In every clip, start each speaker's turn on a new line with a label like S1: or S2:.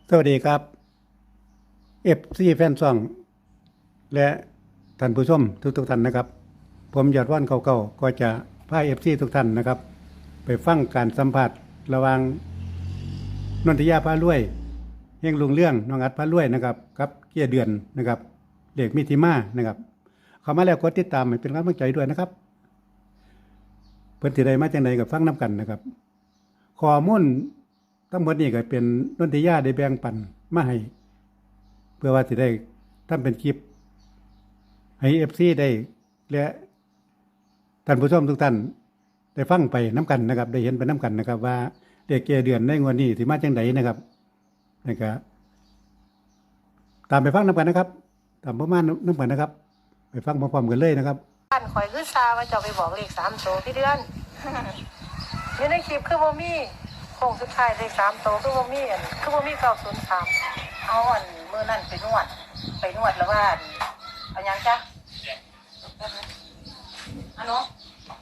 S1: สวัสดีครับเอฟซีแฟนซองและท่านผู้ชมทุกท่านนะครับผมยอดว่านเก่าๆก็จะพาเอฟซีทุกท่านนะครับไปฟังการสัมผัสระหว่างนนทิยาพารวยเฮงลุงเรื่องน้องอัดพารวยนะครับกับเกียร์เดือนนะครับเด็กมิถิมานะครับเข้ามาแล้วกดติดตามให้เป็นกำลังใจด้วยนะครับเพิ่นสิได้มาจังไดกับฟังน้ำกันนะครับข้อมูลทั้งหมดนี้ก็เป็นนนทิยาได้แบ่งปันมาให้เพื่อว่าสิได้ทำเป็นคลิปให้ FC ได้และท่านผู้ชมทุกท่านได้ฟังไปน้ำกันนะครับได้เห็นไปน้ำกันนะครับว่าเด็กเกเดือนในงวดนี้สิมาจังไดนะครับนี่ก็ตามไปฟังน้ำกันนะครับตามประมาณน้ำกันนะครับไปฟังพร้อมๆกันเลยนะครับ
S2: บ้านข่อยคือซาว่าจะไปบอกเลข3 โตพี่เดือนอยู่ในคลิปคือบ่มีโค้งสุดท้ายเลข3 โตคือบ่มีคือบ่มี903
S3: เอามือนั่นไปนวดแล้วว่าเอายังจ้ะอันนู้น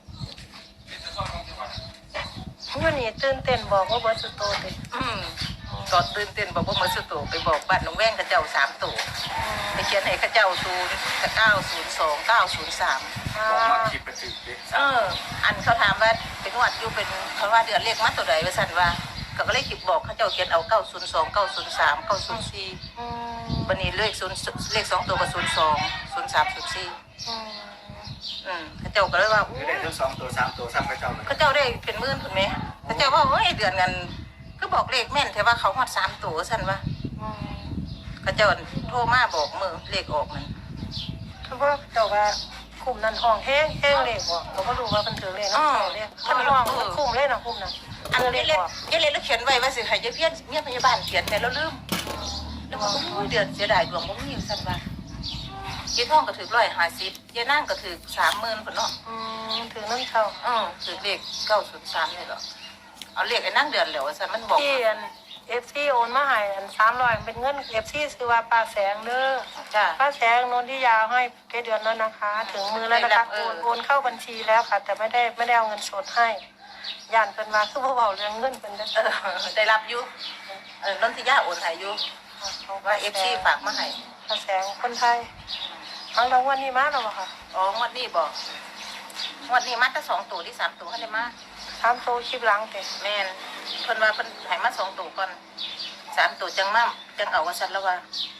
S2: มื้อนี้ตื่นเต้นบอกว่าเบิดสุดโตติ
S3: ก็ตื่นเต้นบอกว่ามือสุดโตไปบอกบ้านน้องแว่งข้าเจ้า3 ตัวไปเขียนให้ข้าเจ้า902 903
S4: บอกมาคิดไปถึงดิ
S3: อันเขาถามว่าเป็นนวดอยู่เป็นเขาว่าเดือนเลขมาตัวใดว่าสั่นว่าก็เลยคิดบอกข้าเจ้าเขียนเอา902 903 904วันนี้เลข2 ตัวก็02 03 04ข้าเจ้าก็เลยว่า
S4: คือได้ทั้ง2 ตัว 3 ตัวซ้ำไปเจ้าเลย
S3: ข้าเจ้าได้เป็นหมื่นถูกไหมข้าเจ้าว่าเฮ้ยเดือนกันก็บอกเลขแม่นแต่ว่าเขาฮอด3 ตัวสั่นว่าข้าเจ้าโทรมาบอกมือเลขออกนั่น
S2: คือว่าเจ้าว่าคุมนั้นห้องแห้งเลขบ่ก็บ่รู้ว่าเพิ่นถือเลขเนาะเลขเพิ่นห้องมันคุมเลยเนาะคุมนั้น
S3: อันนี้เลขแล้วเขียนไว้ว่าสิให้เพี้ยนเมียพยาบาลเขียนแต่แล้วลืมแล้วก็เดือนเสียดายดวงบ่มีสั่นว่าเจ๊ทองก็ถือ150เจ๊นั่งก็ถือ30,000พุ่นเนาะ
S2: ถือนั่นเข้า
S3: ถือเลข903นี่เหรอเอาเลขไอ้นั่งเดือนแล้วสั่นมันบอก
S2: ที่FC โอนมาให้300เป็นเงิน FC ชื่อว่าป้าแสงเด้อ
S3: จ้ะ
S2: ป้าแสงนนทิยาให้แค่เดือนแล้วนะคะ ถึงมือแล้วนะคะโอนเข้าบัญชีแล้วค่ะ แต่ไม่ได้เอาเงินสดให้ย่านเพิ่นมาคือบ่เว้าเรื่องเงินเพิ่นได้
S3: ได้รับอยู่นนทิยาโอนให้อยู่ว่า FC ฝากมาให้
S2: ป้าแสงคนไทยเอารางวัลนี้มาแล้วบ่ค่ะ
S3: งวดนี้บ่งวดนี้มาแต่2 ตัวที่3 ตัวให้ได้มา
S2: 3 โตวคลิปหลังเด้
S3: แม่นเพิ่นว่าเพิ่นให้มา2 ตัวก่อน3 ตัวจังเอาว่าซั่นแล้วว่า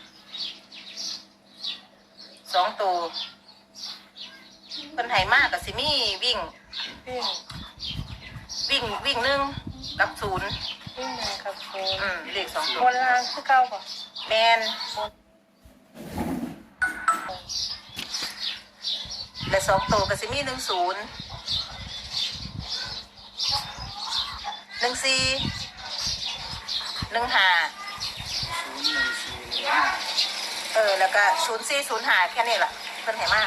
S3: 2 ตัวเพิ่นให้มาก็สิมีวิ่ง1กับ0
S2: วิ่ง1กับ0
S3: เลข2 ตัว
S2: บนล่างคือเก่าบ่
S3: แม่นและ2 ตัวก็สิมี10 14 15แล้วก็0405แค่นี้ล่ะเพิ่นให้มา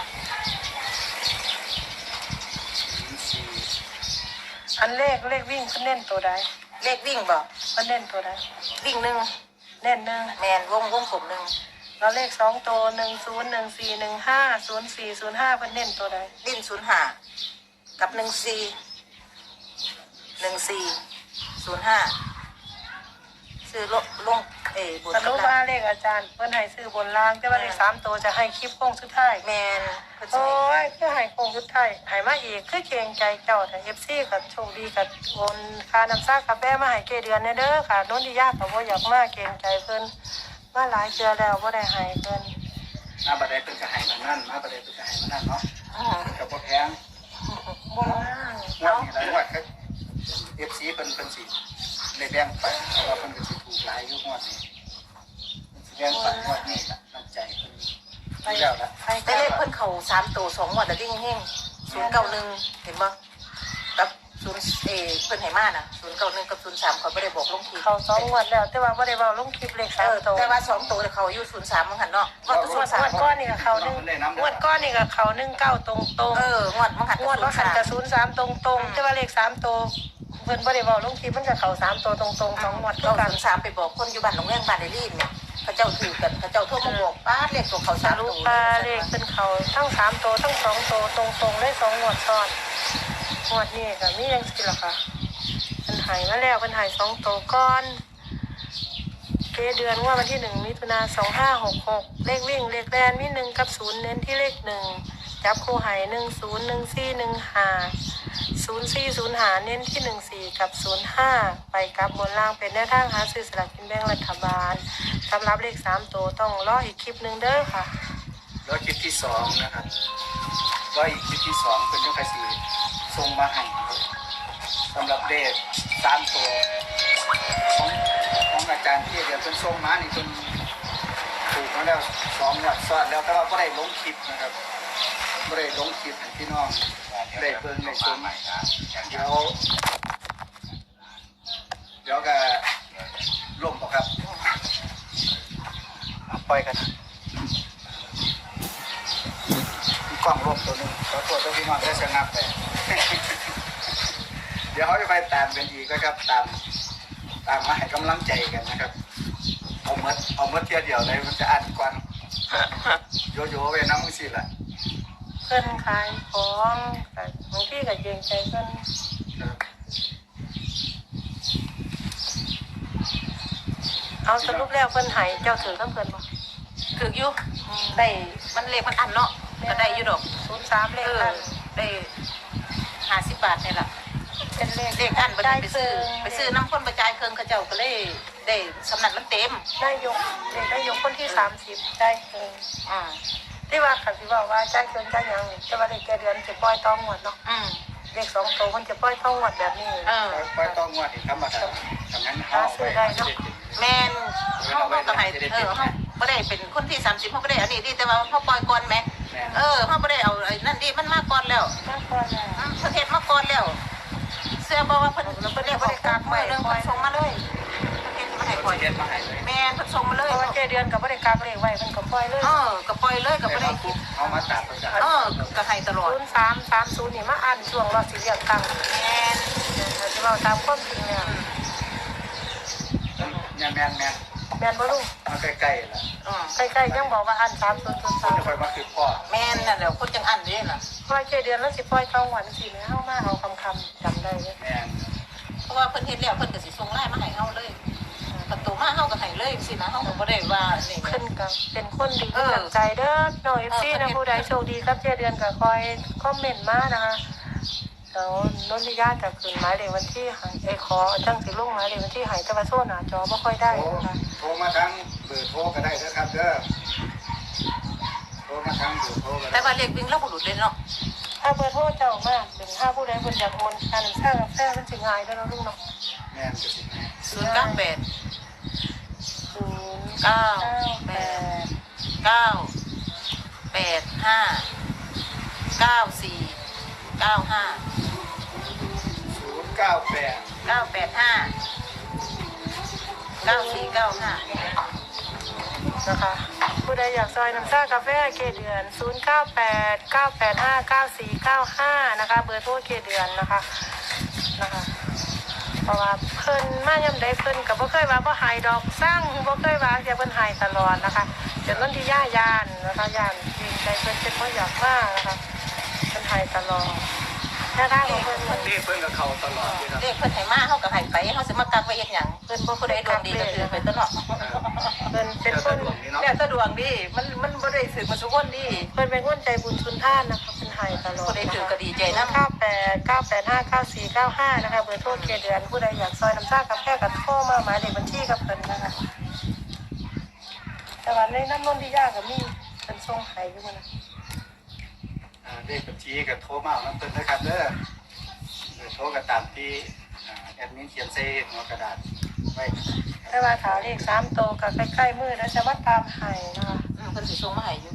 S2: อันเลขวิ่งเพิ่นเน้นตัวใด
S3: เลขวิ่งบ่
S2: เพิ่นเน้นตัวใด
S3: วิ่ง1
S2: เน้น1
S3: แม่นวงกลม1
S2: แล้วเลข2 ตัว10 14 15 04 05เพิ่นเน้นตัวใด
S3: วิ่ง05กับ14 ซื้อลงบน
S2: สรุปว่าเลขอาจารย์เพิ่นให้ซื้อบนล่างแต่ว่าเลข3 ตัวจะให้คลิปโค้งสุดท้าย
S3: แม่น
S2: โอ้ยคือให้โค้งสุดท้ายให้มาอีกคือเกรงใจเจ้าแต่ FC ก็โชคดีก็โอนค่าน้ำซ่ากาแฟมาให้เกเดือนเด้อค่ะโน้นที่ยากก็บ่อยากมาเกรงใจเพิ่นมาหลายเทื่อแล้วบ่ได้ให้เพิ่น
S4: มาบัดได้เป็นกระหายมันนั่นมาบัดได้เป็นกระหายมันนั่นเนาะกับบ่แพง
S2: บ่
S4: งวดนี้หลายงวดก็ FC เพิ่นสิได้แบ่งไปเพราะว่าเพิ่นก็สิถูกหลายอยู่งวดนี้สิแบ่งไปงวดนี้ล่ะน้ำใจเพิ่นไปแล้วล่ะ
S3: แต่เลขเพิ่นเข้า3 ตัว2 งวดแล้วดิ่งเฮง091เห็นบ่กับ0เพิ่นให้มาน่ะ091กับ03เขาบ่ได้บอกลงคลิป
S2: เขา2 งวดแล้วแต่ว่าบ่ได้เว้าลงคลิปเลข3 ตัว
S3: แต่ว่า2 ตัวเขาอยู่03มั้งหั่นเนาะ
S2: ว่าตัว3ก้อนนี่ก็เขา1งวดก้อนนี่ก็เขา19ตรง
S3: งวดมั้งหั่น
S2: งวดมั้งหั่นก็03ตรงแต่ว่าเลข3 ตัวเพิ่นบ่ได้เว้าลงคลิปมันก็เข้า3 ตัวตรง2 งวดคือกัน
S3: 03ไปบอกคนอยู่บ้านหนองแวงบ้านได้ลีนเนี่ยเขาเจ้าถือกันเขาเจ้าโทรมาบอกป้าเลขตัวเขา3 ตัว
S2: เลขเป็นเขาทั้ง3 ตัวทั้ง2 ตัวตรงเลย2 งวดซ้อนงวดนี้ก็มีจังซี่ล่ะค่ะเพิ่นให้มาแล้วเพิ่นให้2 ตัวก่อนเกเดือนว่าวันที่1 มิถุนา2566เลขวิ่งเลขแดนมี1 กับ 0เน้นที่เลข1จับคู่ไห10 14 15 04 05เน้นที่14กับ05ไปกับบนล่างเป็นแนวทางหาซื้อสลากกินแบ่งรัฐบาลสำหรับเลข3ตัวต้องรออีกคลิปนึงเด้อค่ะ
S4: แล้วคลิปที่2นะครับว่าอีกคลิปที่2เป็นเรื่องใครสิส่งมาให้สำหรับเลข3ตัวของอาจารย์ที่เดี๋ยวเพิ่นส่งมานี่เพิ่นถูกมาแล้ว2งวดซ้อนแล้วแต่ว่าบ่ได้ลงคลิปนะครับบ่ได้ลงคลิปให้พี่น้องได้เบิ่งได้ชมเดี๋ยวก็ล่มบ่ครับปล่อยกันกล้องร่มตัวนึงขอโทษด้วยพี่น้องได้ชะงับไป เดี๋ยวเขาจะไปตามกันอีกนะครับตามมาให้กำลังใจกันนะครับเอาเมื่อเที่ยวเดียวเลยมันจะอ่านก่อนโยไปน้ำมือสิล่ะ
S2: เพิ่นขายของแต่บางทีก็เกรงใจเพิ่นเอาสรุปแล้วเพิ่นให้เจ้าถือกับเพิ่นบ่
S3: ถึกอยู่ได้มันเลขมันอันเนาะก็ได้อยู่ดอก
S2: 03เลขอัน
S3: ได้50 บาทนี่แหละ
S2: เป็นเลข
S3: เลขอันบ่ได้ไปซื้อน้ำข้นประจายเครื่องเขาเจ้าก็เลยได้สำนักมันเต็ม
S2: ได้ยกเลขได้ยกคนที่30ได้เกิน
S3: อ่า
S2: ที่ว่าคันสิบอกว่าจ่ายเกินจ่ายหยังนี่แต่ว่าเลขแกเดือนสิปล่อยต่องวดเนาะ เลข2ตัวมันจะปล่อยต่องวดแบบนี้
S4: ปล่อยต้องงวดอีกธรรมดาทำนั้นเขาไป
S3: แม่นเฮาก็ให้เฮาบ่ได้เป็นคนที่30เฮาบ่ได้อันนี้ดิแต่ว่าเฮาปล่อยก่อนแม่เฮาบ่ได้เอาไอ้นั่นดิมันมาก่อนแล้ว
S2: มากกว่าแล้ว
S3: ประเทศมาก่อนแล้วเสื้อบอกว่าเพิ่นเรียกว่าได้กากมือเรื่องเพิ่นส่งมาเลยเพิ่นมาให้ปล่อย
S4: เย็นมาให้เลย
S3: แม่นเพิ่นส่งมาเลย
S2: เพราะว่าแกเดือนก็บ่ได้กักเลขไว้เพิ่นก็ปล่อยเลย
S3: ก็ปล่อยเลยก็บ่ได้คิด
S4: เอามาตัดประกาศ
S3: ก็ให้ตลอด
S2: 0330นี่มาอ่านช่วงรอสิเลือกตั้ง
S3: แม่น
S2: ถ้าสิเว้าตามความจริงแล้ว
S4: เนี่ยแมน
S2: แม่นบ่ลุง
S4: มาใกล้ๆล่ะ
S2: ใกล้ๆยังบอกว่าอ่าน
S4: คนจะคอยมาคือพ่อ
S3: แม่นนั่นแหละคนจังอันนี่ล่ะ
S2: 3003เพราะว่าแกเดือนแล้วสิปล่อยต่องวดสิแม่เฮามาเอาคำจำได้เลย
S4: แมน
S3: เพราะว่าเพิ่นเฮ็ดแล้วเพิ่นก็สิส่งไลน์มาให้เฮาเลยประตูมาเฮาก็ให้เลยสินะเฮาก็บ่ได้ว่านี่
S2: ขึ้นกับเป็นคนดีมีน้ำใจเด้อน้อง FC นะผู้ใดโชคดีครับแกเดือนก็คอยคอมเมนต์มานะคะแล้วนนทิยาจะขึ้นหมายเลขวันที่ให้ขอจังสิลงหมายเลขวันที่ให้แต่ว่าโซนหน้าจอบ่ค่อยได้นะคะ
S4: โทรมาทั้งเบอร์โทรก็ได้นะครับเด้อโทรมาทั้งเบอร์โทรก็
S3: แต่
S4: ได้
S3: ว่าเลขวิ่งเราบ่หลุดเลยเนาะ
S2: ถ้าเบอร์โทรเจ้ามากถึงถ้าผู้ใดเพิ่นอยากโอนค่าน้ำชากาแฟมันสิง่ายเด้อเนาะลุงเนาะ
S4: แมนจะสิแม่
S2: นะคะผู้ใดอยากซอยน้ำชากาแฟเกเดือน0989859495นะคะเบอร์โทรเกเดือนนะคะเพราะว่าเพิ่นมาย่ำใดเพิ่นก็บ่เคยว่าบ่หายดอกสร้างบ่เคยว่าจะเพิ่นหายตลอดนะคะจนนั้นที่ย่านนะคะย่านจริงใจเพิ่นเป็นบ่อยากมานะคะเพิ่นหายตลอดแค่ได้ของเพิ่น
S4: นี่เพิ่นกับเขาตลอดเลยครับ
S3: เลขเพิ่นให้มาเฮาก็ให้ไปเฮาสิมากักไว้เฮ็ดหยังเพิ่นบ่ผู้ใดดวงดีก็คือไปตะเนาะ
S2: เพิ่นเป็นคน
S3: แล้วแต่ดวงดีมันบ่ได้สึกมาสุคนดี
S2: เพิ่นเป็นคนใจบุญชุนท่านนะคะเพิ่นหายตลอด
S3: ผู้ใดถือก็ดีใจนำ
S2: 9898599495นะคะเบอร์โทรเกเดือนผู้ใดอยากซอยน้ำชากาแฟก็โทรมาหมายเลขบัญชีกับเพิ่นนะคะแต่ว่าในน้ำนนที่ยากก็มีเพิ่นส่งให้อยู่นะ
S4: เลขบัญชีกับโทรมาเอาน้ำเพิ่นนะครับเด้อเบอร์โทรก็ตามที่แอดมินเขียนใส่หัวกระดาษไว้
S2: แต่ว่าถาเลข3โตวก็ใกล้ๆมือแล้วจะมาตามให้นะคะ
S3: เพิ่นสิส่งมาให้อยู่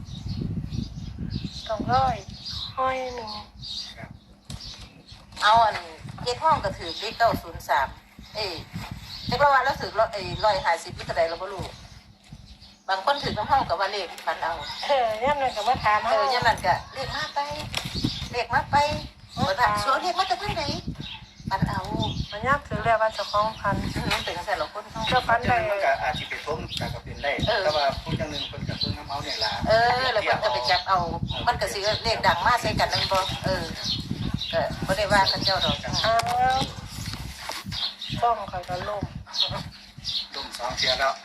S2: 200หนึ่ง
S4: ครับ
S3: เอาอันเฮ็ดห้องก็ถือเลข903จักว่าแล้วถือ150นี่เท่าใดเราบ่รู้บางคนถือนำห้องก็ว่าเลขมันเอา
S2: ย่ำนั้นก็มาถามเฮา
S3: อย่างนั้นก็เลขมาไปเปิดสวนเลขมาจากทางไหนปันเอา
S2: มันยากถือแล้วว่าเจ้าของพัน
S3: เป็นกระแสเราคนเขา
S2: เจ้าพัน
S4: จั
S2: ได้
S4: งนึงมันก็อาจจะไปทุ่มกับเป็นได้แต่ว่าผู้จังนึงคนกับเพิ่งน้ำเมาเนี่ยล่ะ
S3: แล้วมันก็ไปจับเอา มันก็สิเลขดังมากใส่กันนั่นบ่ก็บ่ได้ว่ากันเจ้าดอก
S2: อ้าวกล้องเขาก็ล่ม
S4: ลม 2เที่ยแล้ว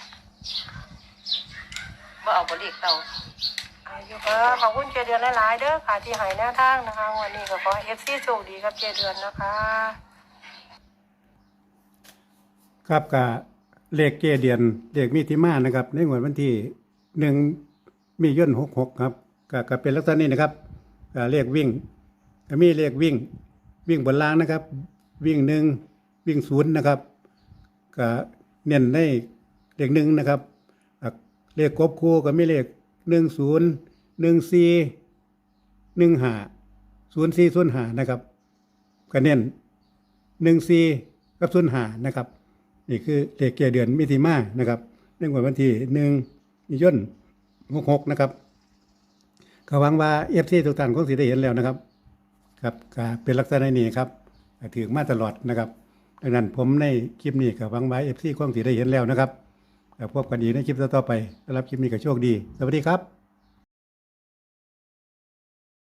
S3: บ่เอาบ่เลขเก่า
S2: อายุขอบคุณเจเดือนหลายๆเด้อค่ะที่ให้แนวทางนะคะวันนี้ก็ขอให้ FC โชคดีกับเจเดือนนะคะ
S1: ครับกับเลขเกเดือนเลขมีที่มานะครับ ในงวดวันที่1มียน66ครับก็เป็นลักษณะนี้นะครับเลขวิ่งก็มีเลขวิ่งบนล่างนะครับ วิ่ง1วิ่ง0นะครับก็เน้นในเลข1นะครับเลขกบคู่ก็มีเลข10 14 15 0405นะครับก็เน้น14กับ05นะครับนี่คือเลขเกเดือนมิถิมานะครับในวันที่1มียน66นะครับก็หวังว่า FC ทุกท่านคงสิได้เห็นแล้วนะครับครับก็เป็นลักษณะนี้ครับถือมาตลอดนะครับดังนั้นผมในคลิปนี้ก็หวังว่า FC คงสิได้เห็นแล้วนะครับพบกันอีกในคลิปต่อๆไปสำหรับคลิปนี้ก็โชคดีสวัสดีครับ